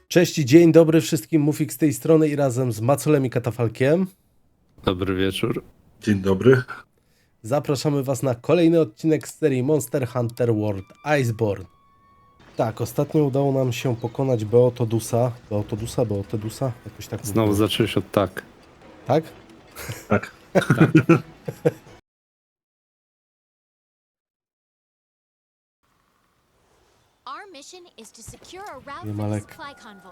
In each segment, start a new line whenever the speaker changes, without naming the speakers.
Cześć i dzień dobry wszystkim, Mufik z tej strony i razem z Macolem i Katafalkiem
Dobry wieczór.
Dzień dobry.
zapraszamy Was na kolejny odcinek z serii Monster Hunter World Iceborne. Tak, ostatnio udało nam się pokonać Beotodusa, jakoś tak
Znowu
mówię.
zacząłeś od tak.
Tak?
Tak.
Our mission is to secure a route
Nie
for
ma
the
lek.
supply convoy.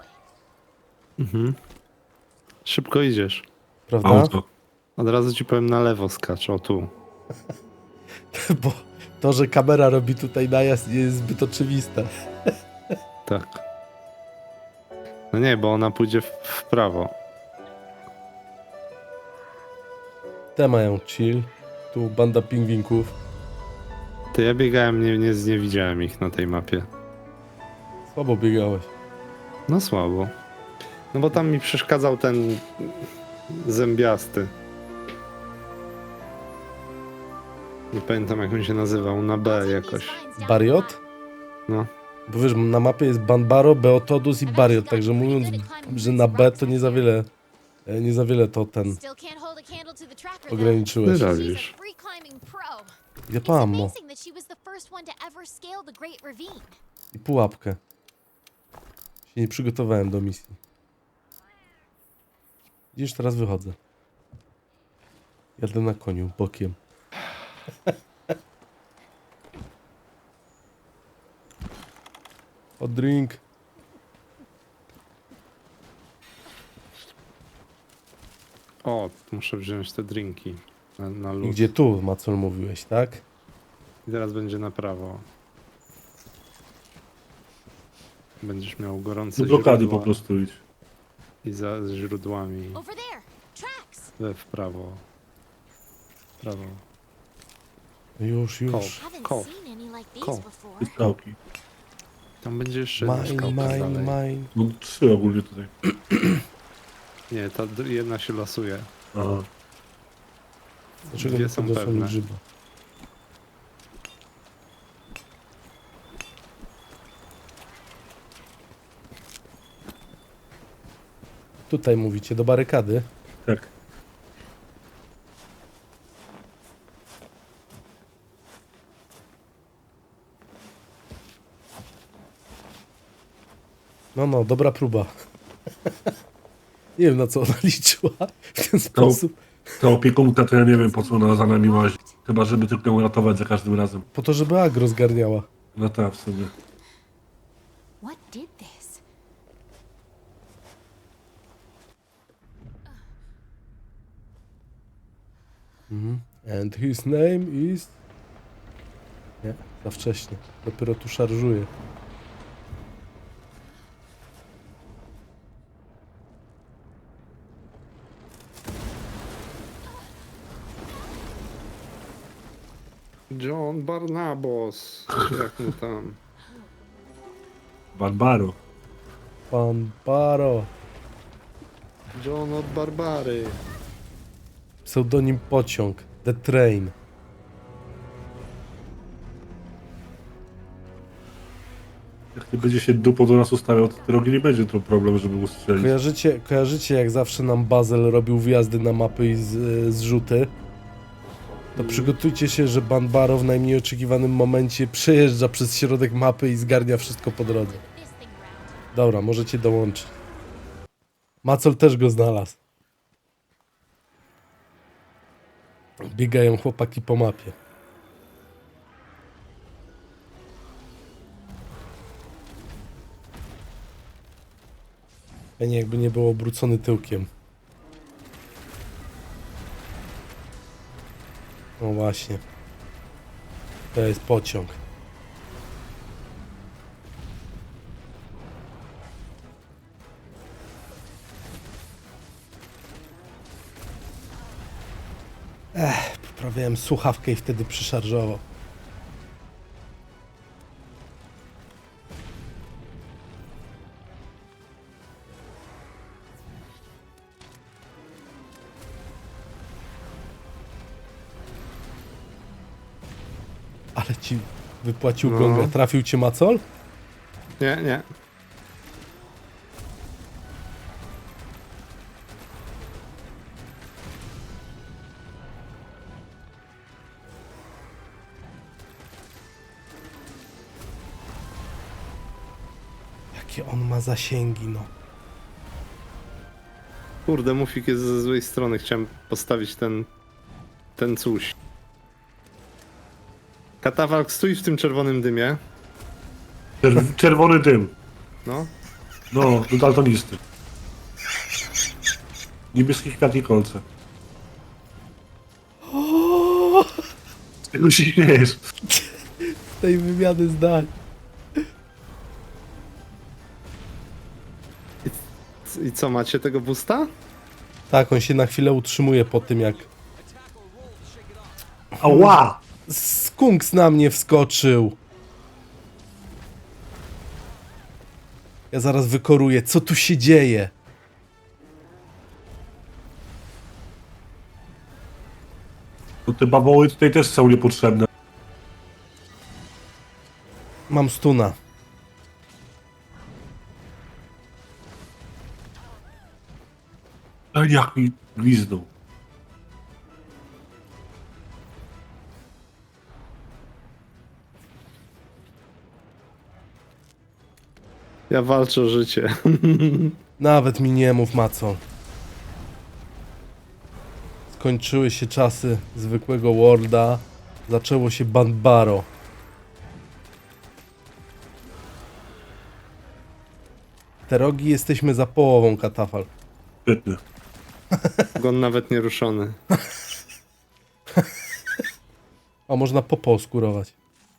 Szybko idziesz.
Prawda?
Auto.
Od razu ci powiem na lewo skacz, o tu.
Bo to, że kamera robi tutaj najazd, nie jest zbyt oczywiste.
Tak. No nie, bo ona pójdzie w prawo.
Te mają chill, tu banda pingwinków.
Ty, ja biegałem, nie widziałem ich na tej mapie.
Słabo biegałeś.
No słabo. No bo tam mi przeszkadzał ten zębiasty. Nie pamiętam jak on się nazywał, na B jakoś.
Bariot?
No.
Bo wiesz, na mapie jest Banbaro, Beotodus i Bariot, także mówiąc, że na B to nie za wiele to ten
Still can't hold a candle to the tracker, though.
ograniczyłeś.
Ty
She's
robisz.
a free climbing pro.
Ja
It's
to ammo
amazing that she was the first one to ever scale the Great Ravine.
i pułapkę. Się nie przygotowałem do misji. Widzisz, teraz wychodzę. Jadę na koniu, bokiem. O drink.
O, muszę wziąć te drinki na
I
lód.
gdzie tu, Macol, mówiłeś, tak?
I teraz będzie na prawo. Będziesz miał gorące
Do blokady
źródła
po prostu idź.
i za źródłami
Over there, tracks.
w prawo. W prawo.
Już.
Haven't
Koł.
seen any like
Koł.
these before.
I skałki.
Tam będzie jeszcze jedna skałka dalej.
Mine.
No 3 ogólnie tutaj.
Nie, ta jedna się lasuje.
Aha.
Dlaczego
Dwie
nie
są
podniosłem
pewne.
grzyba? Tutaj mówicie, do barykady.
Tak.
No, dobra próba. Nie wiem, na co ona liczyła w ten sposób.
Ta opiekunka to ja nie wiem po co ona za nami łazi. Chyba żeby tylko ją ratować za każdym razem.
Po to, żeby agro zgarniała.
No tak, w sumie.
What did this?
And his name is... Nie, za wcześnie. Dopiero tu szarżuje.
John Barnabas. Jak mu tam?
Barbaro.
Pan Baro.
John od Barbary.
Pseudonim Pociąg. The Train.
Jak nie będzie się dupą do nas ustawiał, to drogi nie będzie to problem, żeby ustrzelić.
Kojarzycie jak zawsze nam Bazel robił wjazdy na mapy i zrzuty? To przygotujcie się, że Banbaro w najmniej oczekiwanym momencie przejeżdża przez środek mapy i zgarnia wszystko po drodze.
This thing around.
Dobra, możecie dołączyć. Macol też go znalazł. Biegają chłopaki po mapie. Fajnie jakby nie był obrócony tyłkiem. No właśnie. To jest pociąg. Poprawiałem słuchawkę i wtedy przyszarżował. Ale ci wypłacił
No.
gonga. Trafił cię Macol?
Nie.
Jakie on ma zasięgi, no.
Kurde, Mufik jest ze złej strony. Chciałem postawić ten coś. Katafalk, stój w tym czerwonym dymie.
Czerwony dym.
No.
No, do daltonisty. Niebieski kwiat i kolce. Z tego się śmiejesz.
Tej wymiany zdań.
I co, macie tego boosta?
Tak, on się na chwilę utrzymuje po tym, jak
Ała!
skunks na mnie wskoczył. Ja zaraz wykoruję. Co tu się dzieje?
To te bawoły tutaj też są niepotrzebne.
Mam stuna.
A jak mi gwizdnął.
Ja walczę o życie.
Nawet mi nie mów, Maco. Skończyły się czasy zwykłego Worlda. Zaczęło się Banbaro. Te rogi jesteśmy za połową, Katafal.
Świetnie.
Gon nawet nie ruszony.
A można popą skurować.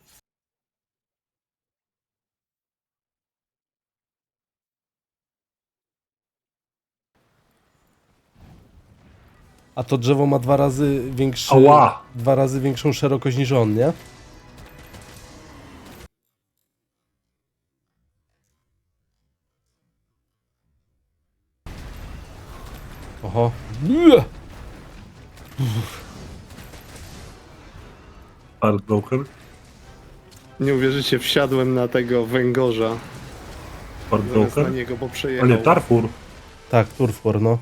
A to drzewo ma dwa razy większy,
Ała!
dwa razy większą szerokość niż on, nie? Oho. Bleh!
Heartbroken.
Nie uwierzycie, wsiadłem na tego węgorza. Zamiast na
Heartbroken.
niego, bo
A
przejechał.
nie, Tarfur.
Tak, Turfwar, no.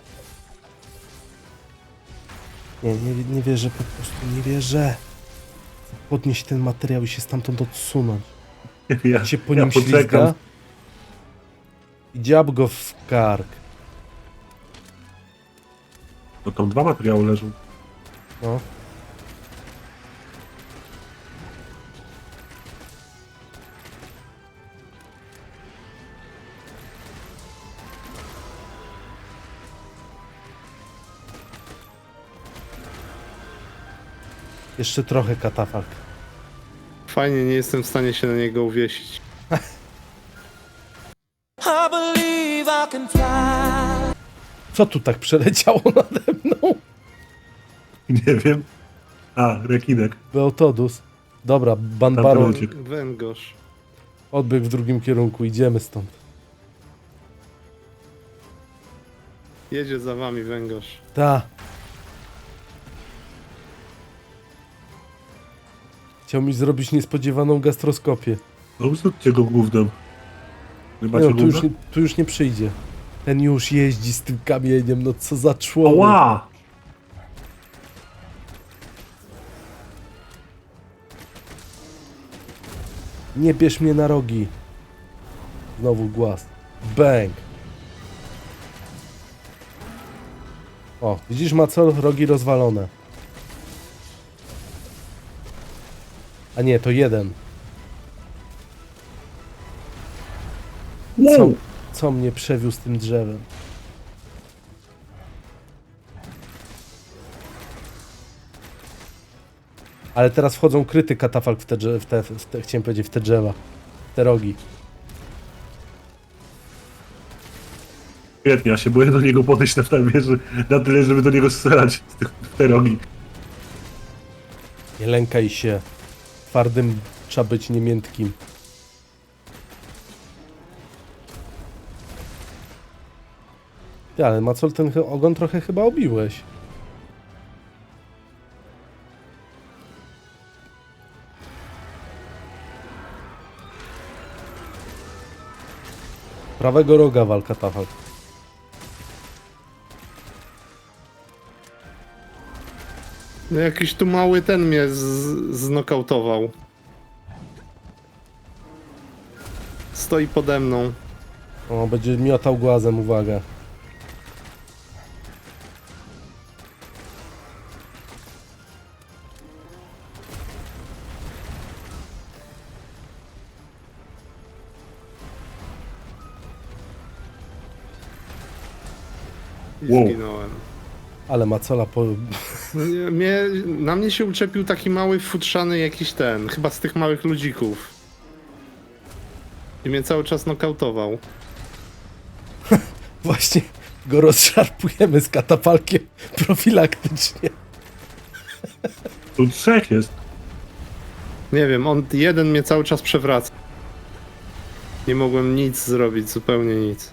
Nie wierzę, po prostu nie wierzę. Podnieść ten materiał i się stamtąd odsunąć.
Ja
Się po nim
poczekam.
ślizga i dziab go w kark.
No tam dwa materiały leżą.
No. Jeszcze trochę, Katafalk.
Fajnie, nie jestem w stanie się na niego uwiesić.
I believe I can fly.
Co tu tak przeleciało nade mną?
Nie wiem. A, rekinek.
Beotodus. Dobra, Banbaro
Tamten uciekł.
Węgorz.
odbiegł w drugim kierunku. Idziemy stąd.
Jedzie za wami węgorz.
Ta. Chciał mi zrobić niespodziewaną gastroskopię.
No zróbcie go gównem. Nie
Nie
macie
no,
gówna?
tu już nie przyjdzie. Ten już jeździ z tym kamieniem, no co za człowiek.
Ała!
Nie bierz mnie na rogi. Znowu głaz. Bang. O, widzisz, Macol? Rogi rozwalone. A nie, to jeden. Co,
Wow!
co mnie przewiózł tym drzewem? Ale teraz wchodzą kryty katafalk chciałem powiedzieć, w te drzewa. W te rogi.
Świetnie, ja się boję do niego podejść na na tyle, żeby do niego strzelać w te rogi.
Nie lękaj się. Twardym trzeba być, nie miętkim. Ty, ale Macol, ten ogon trochę chyba obiłeś. Prawego roga walka Tafal.
No jakiś tu mały ten mnie znokautował. stoi pode mną.
O, będzie miotał głazem, uwaga.
I
Wow.
zginąłem.
Ale Macola po...
No nie, na mnie się uczepił taki mały, futrzany jakiś ten, chyba z tych małych ludzików. I mnie cały czas nokautował.
Właśnie go rozszarpujemy z katapalkiem profilaktycznie.
Tu 3 jest.
Nie wiem, jeden mnie cały czas przewraca. Nie mogłem nic zrobić, zupełnie nic.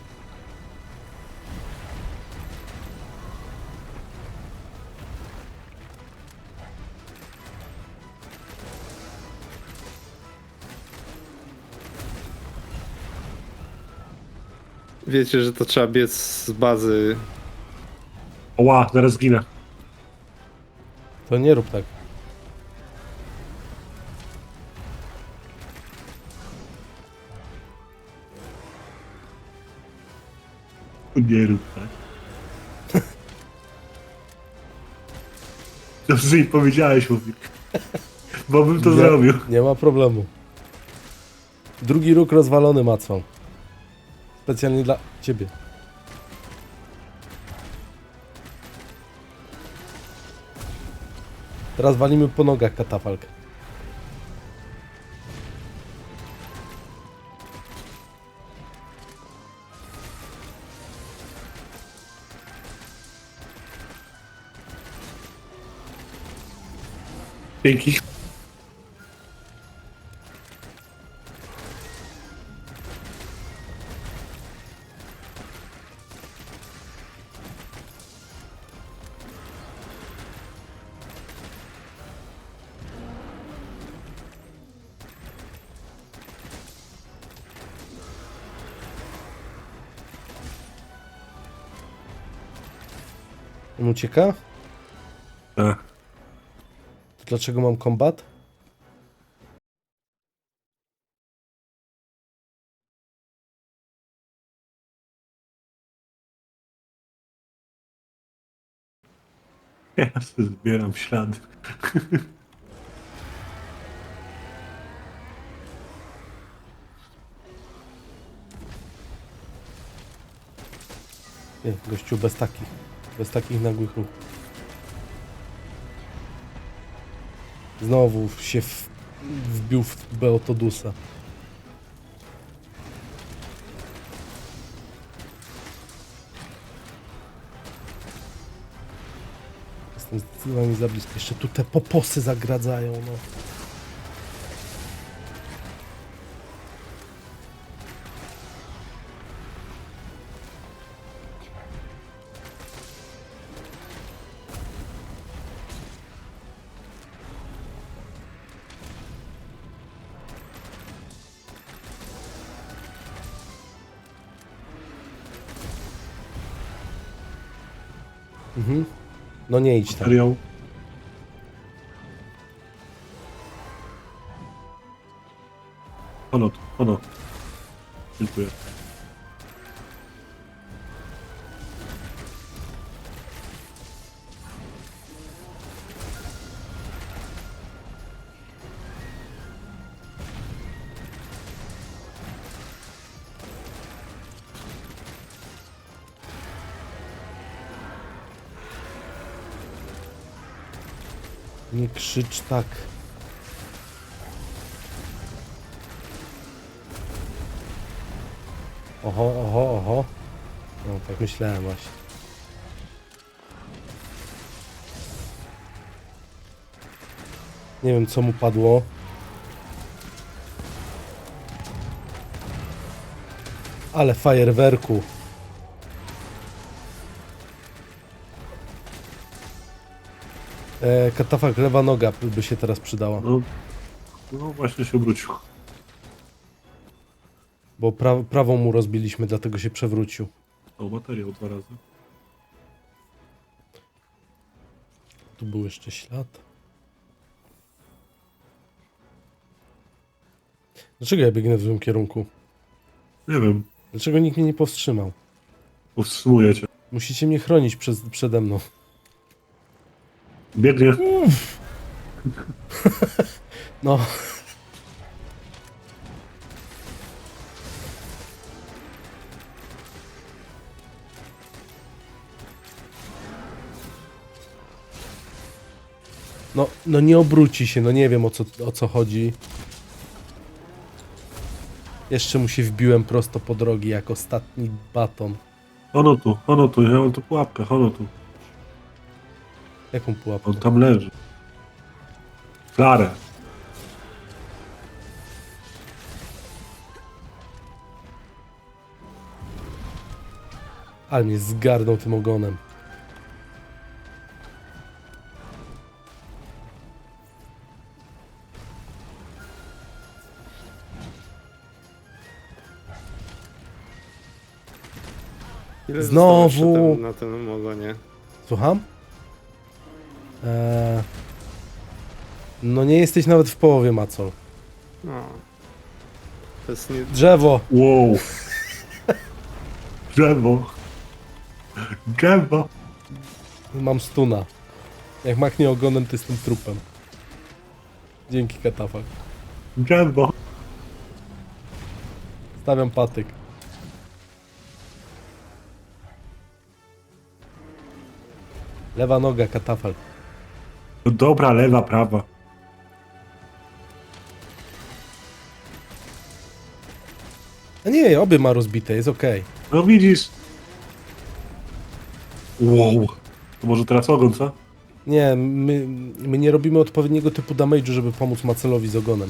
Wiecie, że to trzeba biec z bazy.
Oła, zaraz zginę.
To nie rób tak.
Nie rób tak. Dobrze, i powiedziałeś, mówi. Bo bym to zrobił.
Nie ma problemu. Drugi róg rozwalony macą. Specjalnie dla ciebie. Teraz walimy po nogach katafalkę.
Dzięki.
On ucieka?
Tak.
To dlaczego mam kombat?
Ja sobie zbieram ślady.
Nie, gościu bez takich. Bez takich nagłych ruchów. Znowu się wbił w Beotodusa. Jestem zdecydowanie za blisko. Jeszcze tu te poposy zagradzają, no. Mhm. No nie idź tam.
Materiał. Ono. Dziękuję.
Nie krzycz tak. Oho. No tak myślałem właśnie. Nie wiem co mu padło. Ale fajerwerku. Katafalk lewa noga by się teraz przydała.
No właśnie się obrócił.
Bo prawą mu rozbiliśmy, dlatego się przewrócił.
O, materiał 2 razy.
Tu był jeszcze ślad. Dlaczego ja biegnę w złym kierunku?
Nie wiem,
Dlaczego nikt mnie nie powstrzymał?
powstrzymuję cię.
Musicie mnie chronić przede mną.
Biegnie.
No. No nie obróci się, no nie wiem o co chodzi. Jeszcze mu się wbiłem prosto po drogi jak ostatni baton.
Ono tu, ja mam tu pułapkę, ono tu.
Jaką pułapkę?
On tam leży. Klarę.
Ale mnie zgarnął tym ogonem.
Ile
Znowu.
zostało jeszcze na tym ogonie?
Słucham? No nie jesteś nawet w połowie, Macol.
No. To jest nie...
Drzewo!
Wow. Drzewo. Drzewo.
Mam stuna. Jak machnie ogonem, to jestem trupem. Dzięki, Katafak.
Drzewo.
Stawiam patyk. Lewa noga, Katafal.
No dobra, lewa, prawa.
A nie, obie ma rozbite, jest okej.
No widzisz. Wow. To może teraz ogon, co?
Nie, my nie robimy odpowiedniego typu damage'u, żeby pomóc Macelowi z ogonem.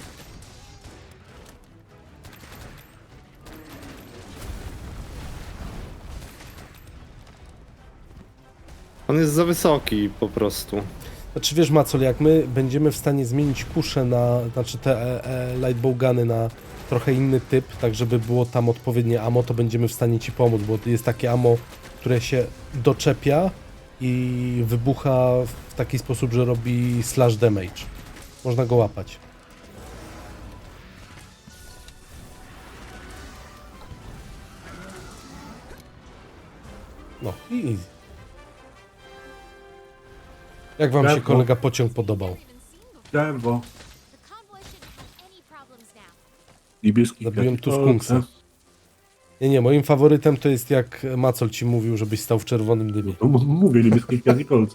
On jest za wysoki po prostu.
Znaczy wiesz, Macol, jak my będziemy w stanie zmienić kusze na, znaczy te lightbowguny na trochę inny typ, tak żeby było tam odpowiednie ammo, to będziemy w stanie ci pomóc, bo jest takie ammo, które się doczepia i wybucha w taki sposób, że robi slash damage. Można go łapać. No i easy. Jak wam się
Brawo.
kolega pociąg podobał?
Even seen before.
Drzewo.
The convoy shouldn't have any problems now.
Niebieski
Zabiłem
kwiatek.
tu skunksa. Nie, moim faworytem to jest jak Macol ci mówił, żebyś stał w czerwonym dymie.
No, mówię, niebieski kwiat i kolce.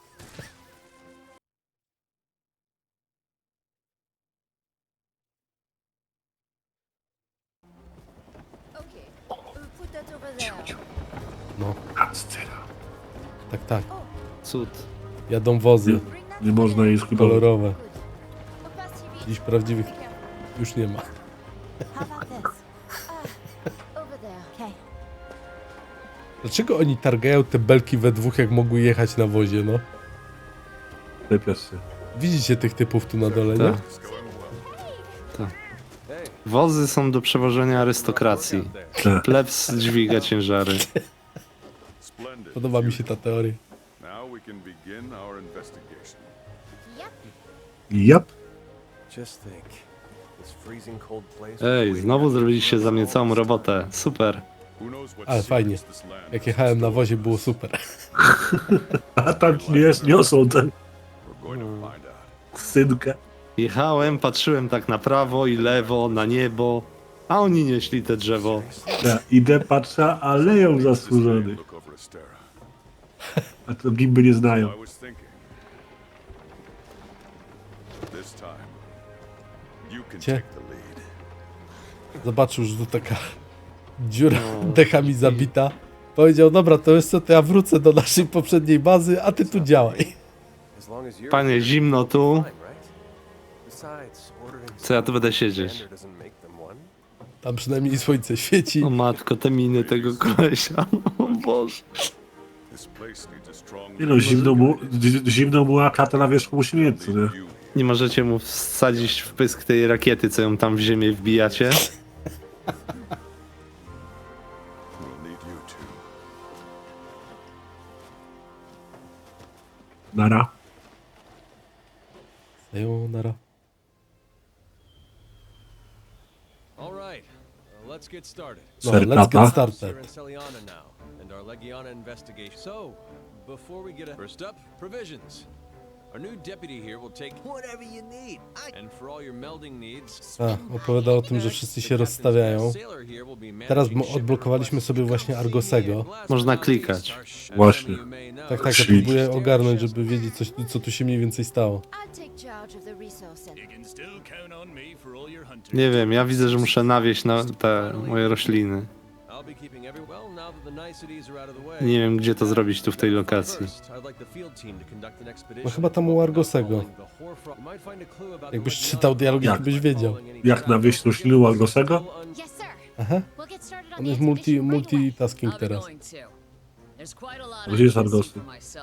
Okay, put that over there.
No,
Ascera.
tak.
Cud.
Jadą wozy
Bring that
Nie można jej skipować.
kolorowe.
good. Opacity.
Dziś prawdziwych
Be careful.
już nie ma.
How about this? Over there. Okay.
Dlaczego oni targają te belki we dwóch, jak mogły jechać na wozie, no?
Lepiasz się.
Widzicie tych typów tu na dole, nie?
Tak. Tak. Wozy są do przewożenia arystokracji.
Tak.
Plebs dźwiga ciężary.
Splendid.
Podoba mi się ta teoria.
Now we can begin our investigation.
Yep.
Jap.
Just think, this freezing cold place.
Ej, znowu zrobiliście za mnie całą robotę. Super.
Who knows what
Ale fajnie.
secrets this land
Jak
has
jechałem na
in
wozie, było super.
A tam ci niosą tę
store. We're going to find out.
synkę.
Jechałem, patrzyłem tak na prawo i lewo, na niebo, a oni nieśli te drzewo.
Ja idę, patrzę, a leją zasłużony.
Look over Astera.
A to gimby nie znają.
I was thinking. This time, you can
Cie-
take the lead.
Zobaczył, że tu taka dziura dechami zabita. Powiedział, dobra, to jest co, to ja wrócę do naszej poprzedniej bazy, a ty tu działaj.
As long as you're
Panie, zimno tu.
fine, right? Besides, ordering
Co ja tu będę siedzieć?
standard doesn't make them one.
Tam przynajmniej słońce świeci.
O matko, te miny tego kolesia. O Boże.
This place needs a strong
Nie no, zimno mu, a klata na wierzchu musi mieć, co nie?
you.
Nie możecie mu wsadzić w pysk tej rakiety, co ją tam w ziemię wbijacie?
We'll need you too.
Nara.
Sayonara.
All right, Let's get started.
No, let's get started.
We're in Celiana now, and our Legiana investigation. So, before we get first up, provisions. Our new deputy here will take whatever you need. And for all your melding needs.
A, opowiada o tym, że wszyscy się rozstawiają. Teraz odblokowaliśmy sobie właśnie Argosego.
Można klikać.
Właśnie.
Tak, ja
Czyli-
próbuję ogarnąć, żeby wiedzieć, co tu się mniej więcej stało.
I'll take charge of the resource center.
Nie wiem, ja widzę, że muszę nawieść na te moje rośliny. Nie wiem, gdzie to zrobić tu w tej lokacji.
No chyba tam u Argosego. Jakbyś czytał dialogi, to byś wiedział.
Jak nawieść rośliny u Argosego?
Yes, sir.
Aha.
We'll get started on
On
the
jest
expedition right away.
multitasking teraz.
Gdzie jest Argosy?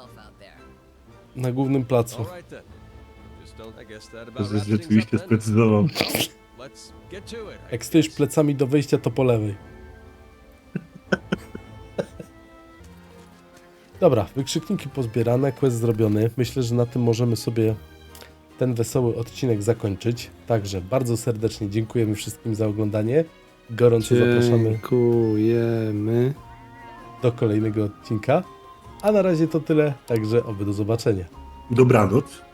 Na głównym placu.
To jest rzeczywiście sprecyzował.
Jak stoisz plecami do wyjścia, to po lewej. Dobra, wykrzykniki pozbierane, quest zrobiony. Myślę, że na tym możemy sobie ten wesoły odcinek zakończyć. Także bardzo serdecznie dziękujemy wszystkim za oglądanie. Gorąco zapraszamy
Dziękujemy.
do kolejnego odcinka. A na razie to tyle, także oby do zobaczenia.
Dobranoc.